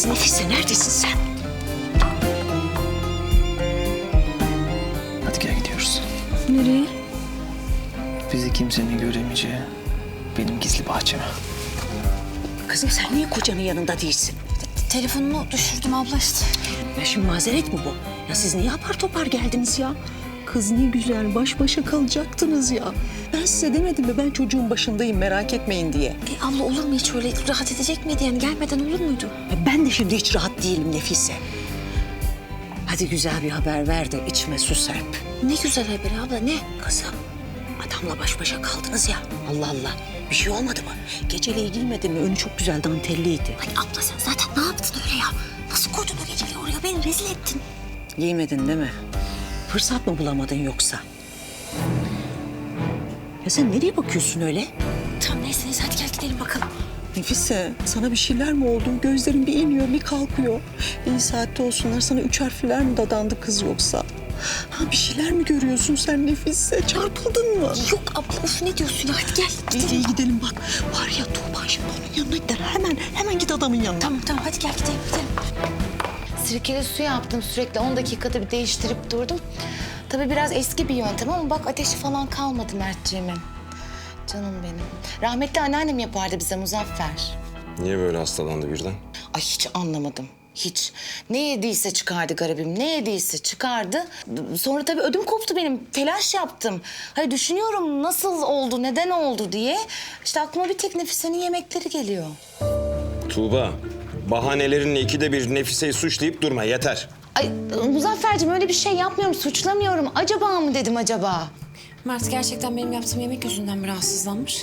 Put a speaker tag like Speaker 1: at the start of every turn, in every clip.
Speaker 1: Nefise neredesin sen?
Speaker 2: Hadi gel gidiyoruz.
Speaker 3: Nereye?
Speaker 2: Bizi kimsenin göremeyeceği benim gizli bahçeme.
Speaker 1: Kızım sen niye kocanın yanında değilsin?
Speaker 3: Telefonumu düşürdüm abla işte.
Speaker 1: Ya şimdi mazeret mi bu? Ya siz niye apar topar geldiniz ya? Kız ne güzel baş başa kalacaktınız ya. Ben size demedim mi ben çocuğun başındayım merak etmeyin diye.
Speaker 3: Abla olur mu hiç öyle? Rahat edecek miydi yani? Gelmeden olur muydu?
Speaker 1: Ya ben de şimdi hiç rahat değilim Nefise. Hadi güzel bir haber ver de içime su serp.
Speaker 3: Ne güzel haber abla ne?
Speaker 1: Kızım adamla baş başa kaldınız ya. Allah Allah bir şey olmadı mı? Geceliği giymedin mi? Önü çok güzel danteliydi.
Speaker 3: Ay abla sen zaten ne yaptın öyle ya? Nasıl koydun o geceliği oraya? Beni rezil ettin.
Speaker 1: Giymedin değil mi? Fırsat mı bulamadın yoksa? Ya sen nereye bakıyorsun öyle?
Speaker 3: Tamam neyse hadi gel gidelim bakalım.
Speaker 1: Nefise, sana bir şeyler mi oldu? Gözlerin bir iniyor, bir kalkıyor. İyi saatte olsunlar, sana 3 harfler mi dadandı kız yoksa? Ha bir şeyler mi görüyorsun sen Nefise? Çarpıldın mı?
Speaker 3: Yok abla of ne diyorsun ya? Hadi gel gidelim.
Speaker 1: İyi gidelim bak. Var ya Tuğba şimdi onun yanına gider. Hemen git adamın yanına.
Speaker 3: Tamam hadi gel gidelim.
Speaker 4: Sirkeli su yaptım sürekli 10 dakikada bir değiştirip durdum. Tabii biraz eski bir yöntem ama bak ateşi falan kalmadı Mertciğimin. Canım benim. Rahmetli anneannem yapardı bize Muzaffer.
Speaker 5: Niye böyle hastalandı birden?
Speaker 4: Ay hiç anlamadım. Hiç. Ne yediyse çıkardı garibim. Ne yediyse çıkardı. Sonra tabii ödüm koptu benim. Telaş yaptım. Hayır düşünüyorum nasıl oldu, neden oldu diye. İşte aklıma bir tek Nefise'nin yemekleri geliyor.
Speaker 5: Tuğba, bahanelerinle ikide bir Nefise'yi suçlayıp durma yeter.
Speaker 4: Ay Muzaffer'cim öyle bir şey yapmıyorum, suçlamıyorum. Acaba mı dedim acaba?
Speaker 3: Mert gerçekten benim yaptığım yemek yüzünden mi rahatsızlanmış?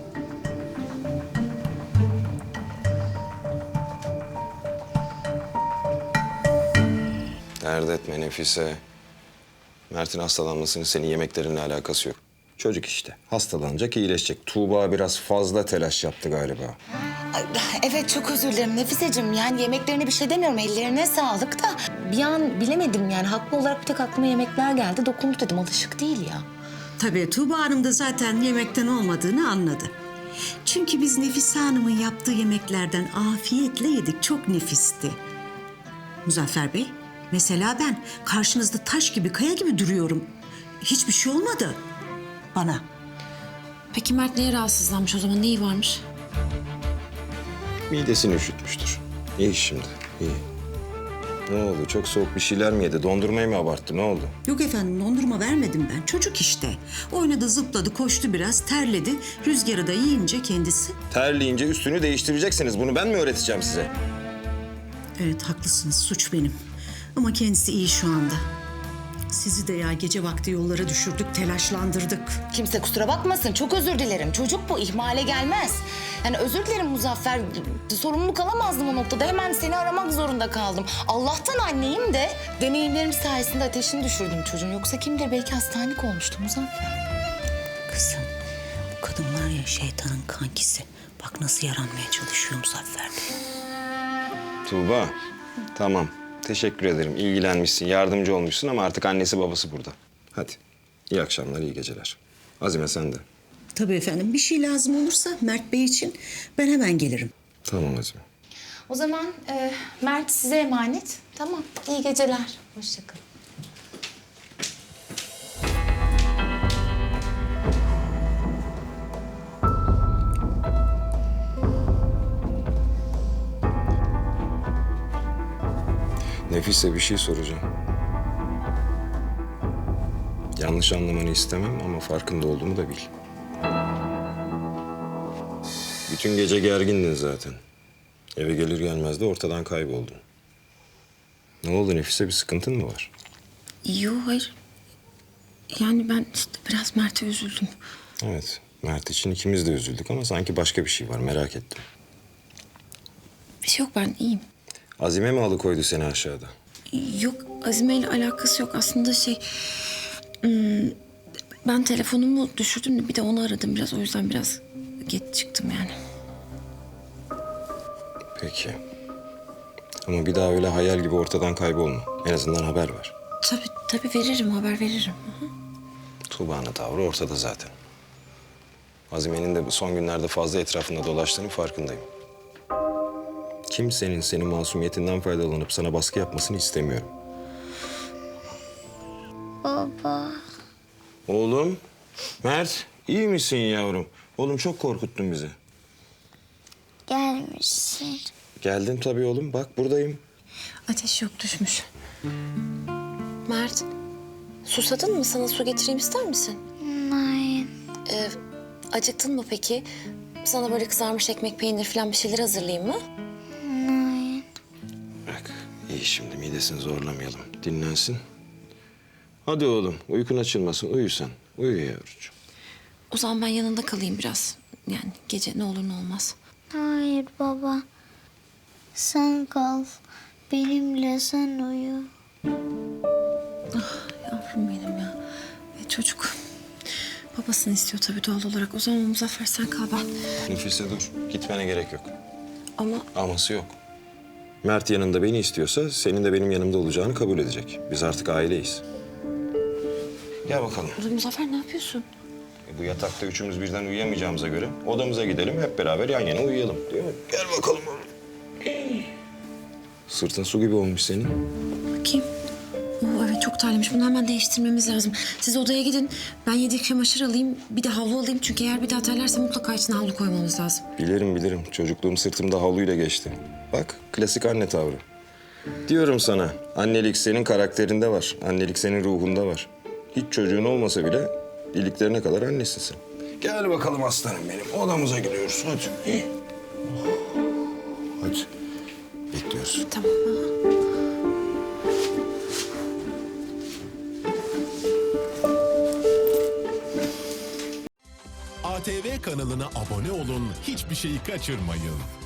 Speaker 5: Dert etme Nefise. Mert'in hastalanmasının senin yemeklerinle alakası yok. Çocuk işte. Hastalanacak, iyileşecek. Tuğba biraz fazla telaş yaptı galiba.
Speaker 4: Ay, evet çok özür dilerim Nefiseciğim. Yani yemeklerine bir şey demiyorum. Ellerine sağlık da bir an bilemedim yani. Haklı olarak bir tek aklıma yemekler geldi. Dokundu dedim. Alışık değil ya.
Speaker 6: Tabii Tuğba Hanım da zaten yemekten olmadığını anladı. Çünkü biz Nefise Hanım'ın yaptığı yemeklerden afiyetle yedik. Çok nefisti. Muzaffer Bey, mesela ben karşınızda taş gibi, kaya gibi duruyorum. Hiçbir şey olmadı bana.
Speaker 3: Peki Mert niye rahatsızlanmış o zaman? Neyi varmış?
Speaker 5: Midesini üşütmüştür. İyi şimdi, iyi. Ne oldu? Çok soğuk bir şeyler mi yedi? Dondurmayı mı abarttı? Ne oldu?
Speaker 6: Yok efendim, dondurma vermedim ben. Çocuk işte. Oynadı, zıpladı, koştu biraz, terledi. Rüzgarı da yiyince kendisi.
Speaker 5: Terleyince üstünü değiştireceksiniz. Bunu ben mi öğreteceğim size?
Speaker 6: Evet, haklısınız. Suç benim. Ama kendisi iyi şu anda. Sizi de ya gece vakti yollara düşürdük, telaşlandırdık.
Speaker 4: Kimse kusura bakmasın. Çok özür dilerim. Çocuk bu. İhmale gelmez. Yani özür dilerim Muzaffer. Sorumluluk alamazdım o noktada. Hemen seni aramak zorunda kaldım. Allah'tan anneyim de deneyimlerim sayesinde ateşini düşürdüm çocuğun. Yoksa kim bilir belki hastanelik olmuştu Muzaffer.
Speaker 1: Kızım bu kadın var ya şeytanın kankisi. Bak nasıl yaranmaya çalışıyor Muzaffer Bey.
Speaker 5: Tuğba, tamam. Teşekkür ederim. İlgilenmişsin, yardımcı olmuşsun ama artık annesi babası burada. Hadi. İyi akşamlar, iyi geceler. Azime sen de.
Speaker 6: Tabii efendim, bir şey lazım olursa Mert Bey için ben hemen gelirim.
Speaker 5: Tamam Azime.
Speaker 4: O zaman Mert size emanet. Tamam. İyi geceler. Hoşça kalın.
Speaker 5: Nefise bir şey soracağım. Yanlış anlamanı istemem ama farkında olduğumu da bil. Bütün gece gergindin zaten. Eve gelir gelmez de ortadan kayboldun. Ne oldu Nefise, bir sıkıntın mı var?
Speaker 3: Yok hayır. Yani ben işte biraz Mert'e üzüldüm.
Speaker 5: Evet, Mert için ikimiz de üzüldük ama sanki başka bir şey var, merak ettim.
Speaker 3: Bir şey yok ben iyiyim.
Speaker 5: Azime mi alıkoydu seni aşağıda?
Speaker 3: Yok Azime ile alakası yok. Aslında ben telefonumu düşürdüm bir de onu aradım biraz. O yüzden biraz geç çıktım yani.
Speaker 5: Peki. Ama bir daha öyle hayal gibi ortadan kaybolma. En azından haber ver.
Speaker 3: Tabii veririm haber veririm. Hı hı.
Speaker 5: Tuğba'nın tavrı ortada zaten. Azime'nin de bu son günlerde fazla etrafında dolaştığını farkındayım. kimsenin senin masumiyetinden faydalanıp sana baskı yapmasını istemiyorum.
Speaker 7: Baba.
Speaker 5: Oğlum, Mert, iyi misin yavrum? Oğlum çok korkuttun bizi.
Speaker 7: Gelmişsin.
Speaker 5: Geldim tabii oğlum, bak buradayım.
Speaker 3: Ateş yok, düşmüş. Mert, susadın mı? Sana su getireyim ister misin?
Speaker 7: Hayır.
Speaker 3: Acıktın mı peki? Sana böyle kızarmış ekmek, peynir falan bir şeyler hazırlayayım mı?
Speaker 7: Hayır.
Speaker 5: Bak, iyi şimdi midesini zorlamayalım. Dinlensin. Hadi oğlum, uykun açılmasın, uyu sen. Uyu yavrucuğum.
Speaker 3: O zaman ben yanında kalayım biraz. Yani gece ne olur ne olmaz.
Speaker 7: Hayır baba. Sen kal. Benimle sen uyu.
Speaker 3: Yavrum benim ya. Çocuk babasını istiyor tabii doğal olarak. O zaman Muzaffer sen kal ben.
Speaker 5: Nefise dur, gitmene gerek yok.
Speaker 3: Ama
Speaker 5: Aması yok. Mert yanında beni istiyorsa senin de benim yanımda olacağını kabul edecek. Biz artık aileyiz. Gel bakalım.
Speaker 3: Muzaffer ne yapıyorsun?
Speaker 5: Bu yatakta üçümüz birden uyuyamayacağımıza göre odamıza gidelim, hep beraber yan yana uyuyalım. Değil mi? Gel bakalım oğlum. Sırtın su gibi olmuş senin.
Speaker 3: Bakayım. Oo, evet çok terlemiş. Bunu hemen değiştirmemiz lazım. Siz odaya gidin. Ben yedek çamaşır alayım. Bir de havlu alayım. Çünkü eğer bir daha terlerse mutlaka içine havlu koymamız lazım.
Speaker 5: Bilirim. Çocukluğum sırtımda havluyla geçti. Bak, klasik anne tavrı. Diyorum sana, annelik senin karakterinde var. Annelik senin ruhunda var. Hiç çocuğun olmasa bile iliklerine kadar annesin sen. Gel bakalım aslanım benim. Odamıza gidiyoruz. Hadi. Hadi. Bekliyoruz.
Speaker 3: Tamam. Aha.
Speaker 8: ATV kanalına abone olun, hiçbir şeyi kaçırmayın.